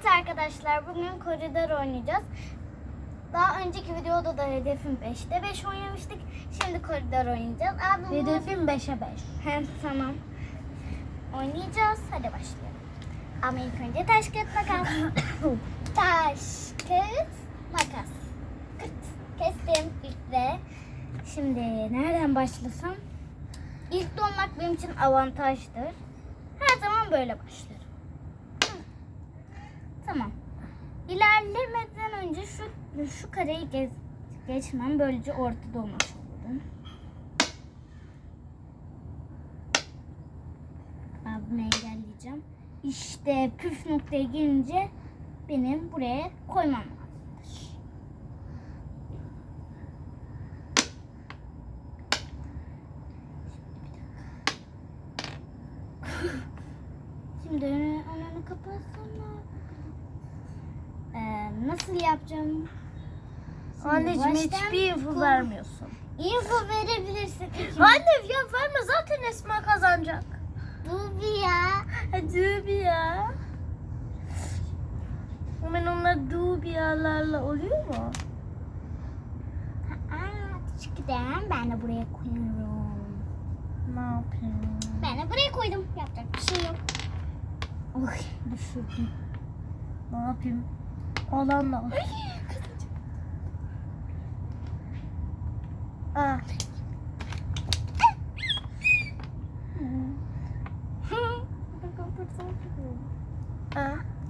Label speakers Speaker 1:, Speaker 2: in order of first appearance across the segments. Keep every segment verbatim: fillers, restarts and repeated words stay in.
Speaker 1: arkadaşlar, bugün koridor oynayacağız. Daha önceki videoda da hedefim beşte beş oynamıştık. Şimdi koridor oynayacağız. Abi
Speaker 2: Hedefim beşe beş.
Speaker 1: Hem tamam. Oynayacağız. Hadi başlayalım. Ama ilk önce taş kağıt makas. Taş kağıt makas. Kırt. Kestim ilk de. Şimdi nereden başlasam? İlk dolmak benim için avantajdır. Her zaman böyle başlarım. Tamam. İlerlemeden önce şu şu kareyi gez, geçmem. Böylece ortada olmuş olurum. Abimi engelleyeceğim. İşte püf noktaya gelince benim buraya koymam lazımdır. Şimdi önünü, önünü kapatsana. Ee, nasıl yapacağım? Şimdi
Speaker 2: Anneciğim
Speaker 1: baştan
Speaker 2: hiçbir info
Speaker 1: kol-
Speaker 2: vermiyorsun.
Speaker 1: Info verebilirsin.
Speaker 2: Anne ya verme, zaten Esma kazanacak.
Speaker 1: Bu bir ya.
Speaker 2: Hadi bir ya. Hemen onlar dubiyalarla oluyor mu?
Speaker 1: Aa, çıkıdan ben de buraya koyuyorum.
Speaker 2: Ne yapayım?
Speaker 1: Ben de buraya koydum. Yapacak bir şey yok. Oy, düşürdüm.
Speaker 2: Ne yapayım? Olanla. Aa. Aa.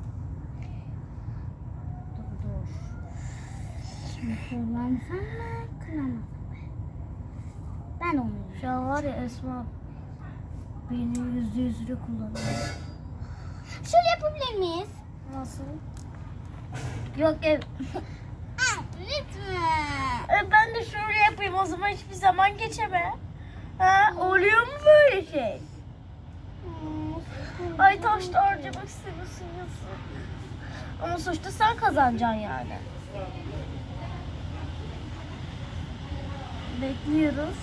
Speaker 1: Dur dur. Şimdi kullansam mı? Kullanmasam mı? Ben onu
Speaker 2: Şu an var ya Esma beni yüzde yüzüyle kullanıyor.
Speaker 1: şöyle yapabilir miyiz?
Speaker 2: Nasıl? Yok ev.
Speaker 1: Aa, lütfen.
Speaker 2: E, ben de şöyle yapayım, o zaman hiçbir zaman geçeme. Ha, oluyor mu böyle şey? Ay taşta harcamak istemiyorsun yazık. Ama sonuçta sen kazanacaksın yani. Bekliyoruz.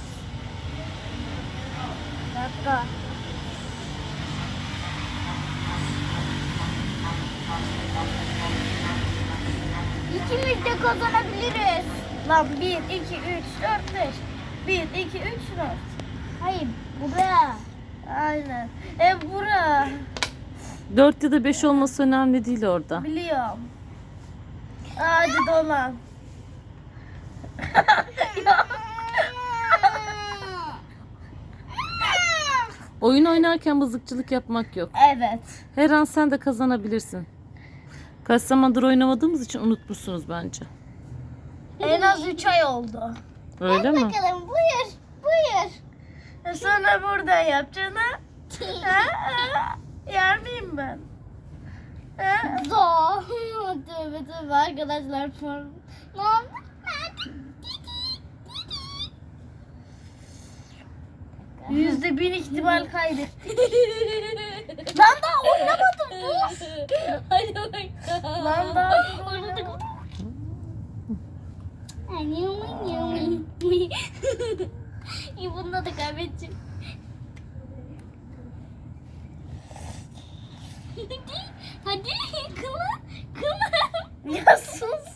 Speaker 1: Bir dakika. İkimiz de kazanabiliriz.
Speaker 2: Lan bir, iki, üç, dört, beş. bir, iki, üç, dört.
Speaker 1: Hayır, buraya.
Speaker 2: Aynen. E bura.
Speaker 3: dört ya da beş olması önemli değil orada.
Speaker 2: Biliyorum. Hadi dolan.
Speaker 3: Oyun oynarken mızıkçılık yapmak yok.
Speaker 2: Evet.
Speaker 3: Her an sen de kazanabilirsin. Kaç zamandır oynamadığımız için unutmuşsunuz bence.
Speaker 2: En az üç ay oldu.
Speaker 3: Öyle
Speaker 1: Hadi
Speaker 3: mi?
Speaker 1: bakalım, buyur, buyur.
Speaker 2: E sonra buradan yapacaksın ha? Ha? Ha? Yer miyim ben? Ha?
Speaker 1: Zor. Tövbe tövbe arkadaşlar. Form. Ne oldu?
Speaker 2: Yüzde bin ihtimal kaybettik. Lan daha oynamadım dur.
Speaker 1: Hadi bakalım.
Speaker 2: Lan daha oynamadım.
Speaker 1: İyi, bunda da kaybedeceğim. Hadi, hadi kıla, kıla.
Speaker 2: Ya sus.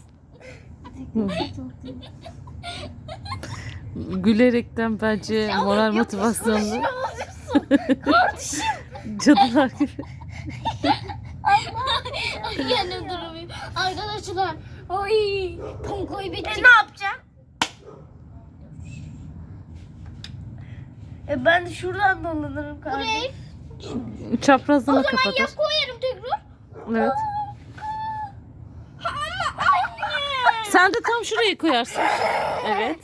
Speaker 3: Gülerekten bence moral motivasyonlu.
Speaker 2: Kardeşim.
Speaker 3: Cadılar gibi.
Speaker 1: Ay kendim duramıyorum. Arkadaşlar, ay tam
Speaker 2: E
Speaker 1: kaybedeceğim.
Speaker 2: ne yapacağım? E ben de şuradan dolanırım kardeşim.
Speaker 1: Buraya.
Speaker 3: Çaprazlama
Speaker 1: O zaman
Speaker 3: kapatır.
Speaker 1: ya koyarım tekrar.
Speaker 3: Evet.
Speaker 1: Ha, ama anne.
Speaker 3: Sen de tam şurayı koyarsın. Evet.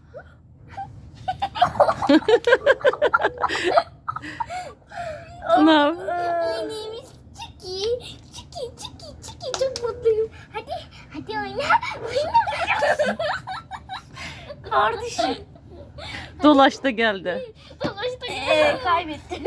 Speaker 3: Ne yap?
Speaker 1: My name is Chicky. Chicky, Chicky, Chicky. Çok mutluyum. Hadi, hadi oyna. Oyna.
Speaker 2: Kardeşim.
Speaker 3: Dolaş da geldi.
Speaker 1: Dolaştık.
Speaker 2: Eee kaybettim.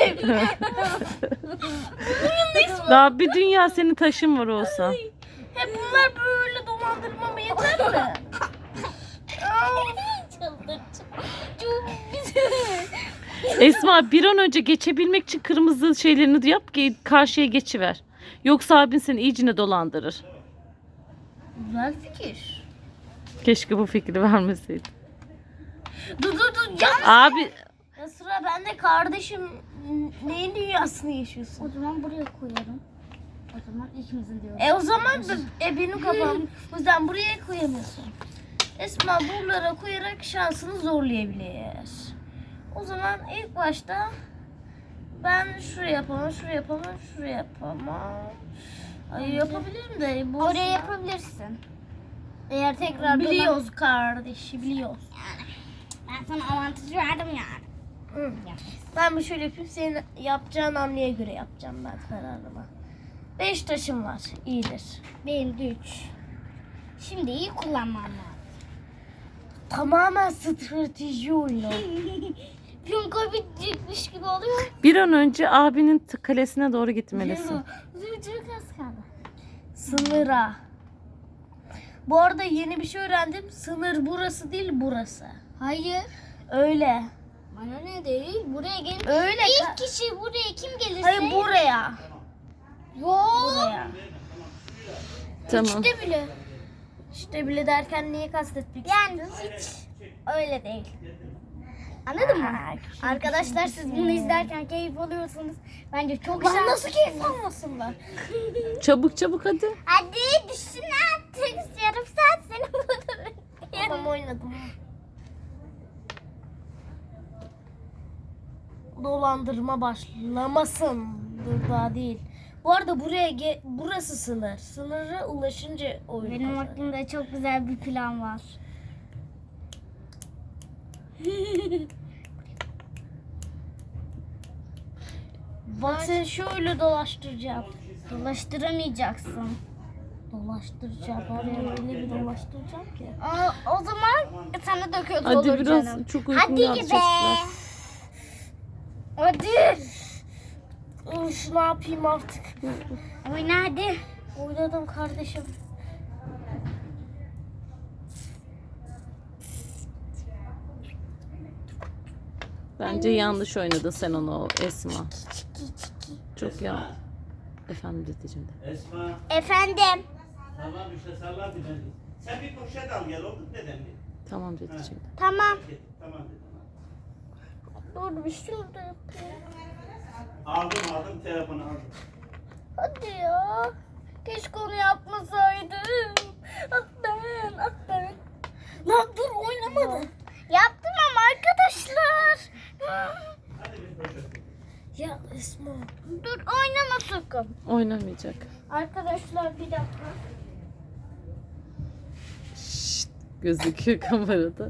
Speaker 3: Daha bir dünya senin taşın var olsa.
Speaker 2: Hep bunlar böyle dolandırmama yeter mi?
Speaker 1: Çıldıracağım. Çok güzel.
Speaker 3: Esma bir an önce geçebilmek için kırmızı şeylerini yap ki karşıya geçiver. Yoksa abin seni iyicine dolandırır.
Speaker 2: Güzel fikir.
Speaker 3: Keşke bu fikri vermeseydi.
Speaker 2: Dur dur dur. Ya,
Speaker 3: Abi
Speaker 2: ya sıra bende kardeşim. Neyin dünyasını yaşıyorsun?
Speaker 1: O zaman buraya koyarım. O zaman ikimizin diyorum.
Speaker 2: E o zaman b- e, benim kafam. O yüzden buraya koyamıyorsun. Esma buralara koyarak şansını zorlayabilir. O zaman ilk başta ben şuraya yapamam, şuraya yapamam, şuraya yapamam. Ay yapabilirim de. Bu
Speaker 1: Oraya yapabilirsin. Eğer tekrar
Speaker 2: Biliyoruz kardeşi, biliyoruz.
Speaker 1: Ben sana avantajı verdim yani.
Speaker 2: Hı. Ben bir şöyle yapayım, senin yapacağın hamleye göre yapacağım ben kararımı. Beş taşım var, iyidir.
Speaker 1: Benim de üç. Şimdi iyi kullanmam lazım.
Speaker 2: Tamamen strateji oyunu.
Speaker 1: Piyon bitecekmiş gibi oluyor.
Speaker 3: bir an önce abinin t- kalesine doğru gitmelisin.
Speaker 1: Çok az kaldı.
Speaker 2: Sınıra. Bu arada yeni bir şey öğrendim. Sınır burası değil, burası.
Speaker 1: Hayır.
Speaker 2: Öyle.
Speaker 1: Bana ne değil. Buraya gelin.
Speaker 2: Öyle.
Speaker 1: İlk
Speaker 2: ka-
Speaker 1: kişi buraya kim gelirse.
Speaker 2: Hayır buraya.
Speaker 1: Yok.
Speaker 2: Buraya.
Speaker 3: Tamam.
Speaker 1: İşte bile.
Speaker 2: İşte bile derken niye kastettik?
Speaker 1: Yani hiç öyle değil. Anladın mı? Arkadaşlar siz bunu izlerken keyif alıyorsunuz. Bence çok güzel.
Speaker 2: Lan nasıl keyif almasınlar?
Speaker 3: Çabuk çabuk hadi.
Speaker 1: Hadi düşün artık. Yarım saat seni burada.
Speaker 2: Tamam oynadım. Dolandırma başlamasın. Dur daha değil. Bu arada buraya ge- burası sınır. Sınıra ulaşınca oyun
Speaker 1: Benim
Speaker 2: kazanır.
Speaker 1: aklımda çok güzel bir plan var.
Speaker 2: Bak seni şöyle dolaştıracağım.
Speaker 1: Dolaştıramayacaksın.
Speaker 2: Dolaştıracağım. Oraya öyle bir dolaştıracağım ki.
Speaker 1: O, o zaman sana da kötü
Speaker 3: Hadi
Speaker 1: olur
Speaker 3: biraz
Speaker 1: canım.
Speaker 3: çok uykum
Speaker 1: Hadi
Speaker 3: geldi
Speaker 1: be.
Speaker 3: çocuklar.
Speaker 1: Hadi.
Speaker 2: Üf, ne yapayım artık?
Speaker 1: Oyna hadi.
Speaker 2: Oynadım kardeşim.
Speaker 3: Bence yanlış oynadın sen onu Esma. Çok ya. Efendim dedeciğim de.
Speaker 4: Esma,
Speaker 1: Efendim.
Speaker 4: tamam işte sallar bir beni. Sen bir poşet al gel oldu mu dedem bir?
Speaker 3: Tamam dedeciğim de.
Speaker 1: Tamam.
Speaker 4: Tamam dedim.
Speaker 1: Dur bir şurada yapayım.
Speaker 4: Aldım aldım telefonu aldım.
Speaker 1: Hadi ya. Keşke onu yapmasaydım. Ah ben, ah ben.
Speaker 2: Lan dur oynamadım.
Speaker 1: Yaptım ama arkadaşlar.
Speaker 4: Hadi bir poşet.
Speaker 2: Ya Esma.
Speaker 1: Dur oynama sakın.
Speaker 3: Oynamayacak.
Speaker 1: Arkadaşlar bir dakika.
Speaker 3: Şşt, gözüküyor kamerada.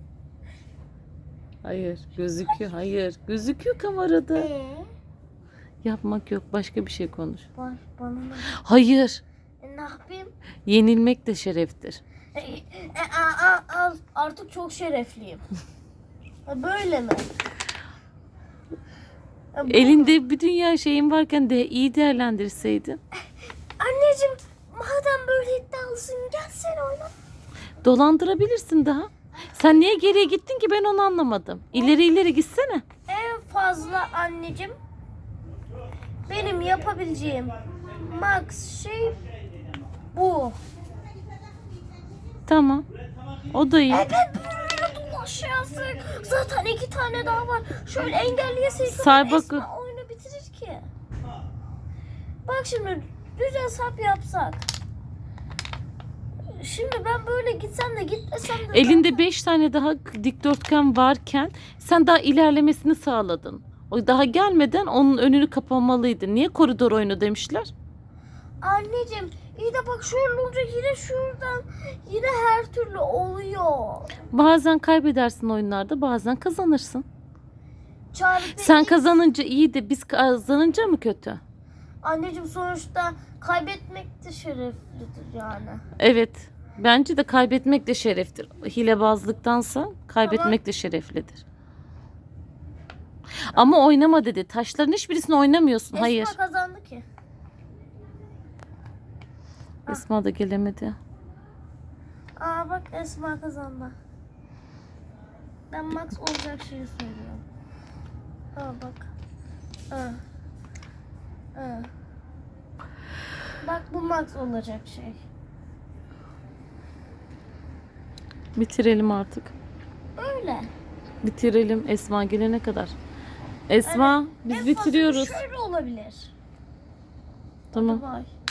Speaker 3: Hayır gözüküyor hayır. Gözüküyor kamerada.
Speaker 1: Ee,
Speaker 3: Yapmak yok başka bir şey konuş.
Speaker 2: Bak bana ne?
Speaker 3: Hayır.
Speaker 2: E, ne yapayım?
Speaker 3: Yenilmek de şereftir.
Speaker 2: E, e, a, a, a, artık çok şerefliyim. Ha, böyle mi? Ha, bu-
Speaker 3: Elinde bir dünya şeyin varken de iyi değerlendirseydin.
Speaker 2: Anneciğim madem böyle iddialısın gel sen oyna.
Speaker 3: Dolandırabilirsin daha. Sen niye geriye gittin ki ben onu anlamadım. İleri ileri gitsene.
Speaker 2: En fazla anneciğim benim yapabileceğim max şey bu.
Speaker 3: Tamam. O da iyi.
Speaker 2: Evet böyle dolaşıyorsun. Zaten iki tane daha var. Şöyle engelleyeseydim
Speaker 3: Say bak-
Speaker 2: Esma oyunu bitirir ki. Bak şimdi düz hesap yapsak. Şimdi ben böyle gitsem de gitmesem de
Speaker 3: Elinde beş tane daha dikdörtgen varken sen daha ilerlemesini sağladın. O daha gelmeden onun önünü kapamalıydın. Niye koridor oyunu demişler?
Speaker 2: anneciğim iyi de bak şöyle olunca yine şuradan yine her türlü oluyor.
Speaker 3: Bazen kaybedersin oyunlarda, bazen kazanırsın.
Speaker 2: Çarpı
Speaker 3: Sen
Speaker 2: X.
Speaker 3: kazanınca iyi de biz kazanınca mı kötü?
Speaker 2: Anneciğim sonuçta kaybetmek de şereflidir yani.
Speaker 3: Evet. Bence de kaybetmek de şereftir. Hilebazlıktansa kaybetmek de şereflidir. Ama oynama dedi. Taşların hiçbirisini oynamıyorsun. Hayır.
Speaker 2: Esma kazandı ki.
Speaker 3: Esma da gelemedi.
Speaker 2: Aa bak Esma kazandı. Ben max olacak şeyi söylüyorum. Aa bak. Aa. Aa. Bak bu max olacak şey.
Speaker 3: Bitirelim artık.
Speaker 2: Böyle.
Speaker 3: Bitirelim Esma gelene kadar. Esma biz
Speaker 2: En fazla
Speaker 3: bitiriyoruz.
Speaker 2: Şöyle olabilir.
Speaker 3: Tamam.
Speaker 2: Hadi bay.